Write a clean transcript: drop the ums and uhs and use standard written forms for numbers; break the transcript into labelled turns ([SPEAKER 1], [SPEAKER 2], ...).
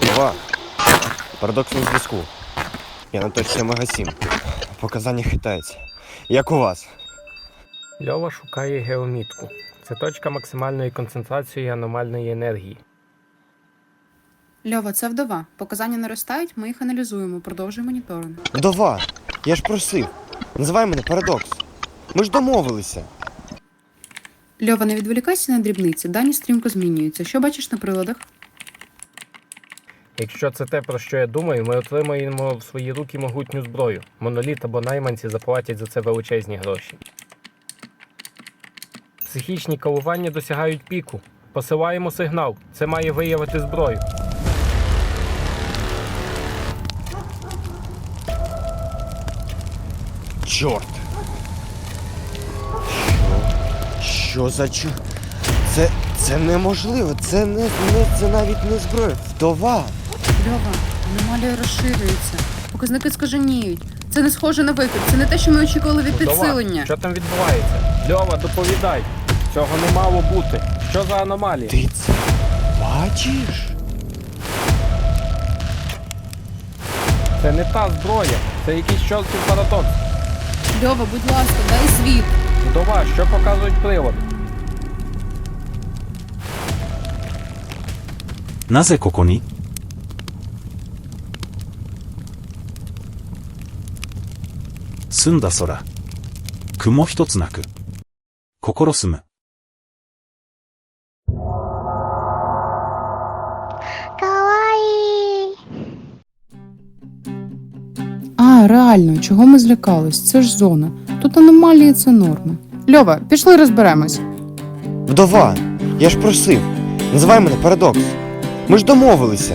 [SPEAKER 1] Ова. Парадокс на зв'язку. Я на точці Омега-7. Показання хитаються. Як у вас?
[SPEAKER 2] Льова шукає геомітку. Це точка максимальної концентрації аномальної енергії.
[SPEAKER 3] Льова, це вдова. Показання наростають, ми їх аналізуємо, продовжуй моніторинг.
[SPEAKER 1] Вдова! Я ж просив. Називай мене Парадокс. Ми ж домовилися.
[SPEAKER 3] Льова, не відволікайся на дрібниці, дані стрімко змінюються. Що бачиш на приладах?
[SPEAKER 2] Якщо це те, про що я думаю, ми отримаємо в свої руки могутню зброю. Моноліт або найманці заплатять за це величезні гроші. Психічні коливання досягають піку. Посилаємо сигнал. Це має виявити зброю.
[SPEAKER 1] Чорт! Що за Це неможливо. Це навіть не зброя. Вдова!
[SPEAKER 3] Льова, аномалія розширюється. Показники скаженіють. Це не схоже на викид. Це не те, що ми очікували від
[SPEAKER 2] Вдова,
[SPEAKER 3] підсилення.
[SPEAKER 2] що там відбувається? Льова, доповідай. Цього не мало бути. Що за аномалія?
[SPEAKER 1] Ти це бачиш?
[SPEAKER 2] Це не та зброя. Це якийсь чортів парадокс.
[SPEAKER 3] Льова, будь ласка, дай звіт.
[SPEAKER 2] Вдова, що показують прилади?
[SPEAKER 4] なぜここに澄んだ空。雲一つなく。心澄む。
[SPEAKER 5] かわいい。
[SPEAKER 3] А, реально, чого ми злякались? Це ж зона. Тут аномалії – це норма. Льова, пішли розберемось.
[SPEAKER 1] Вдова! Я ж просив. Називай мене Парадокс. Ми ж домовилися.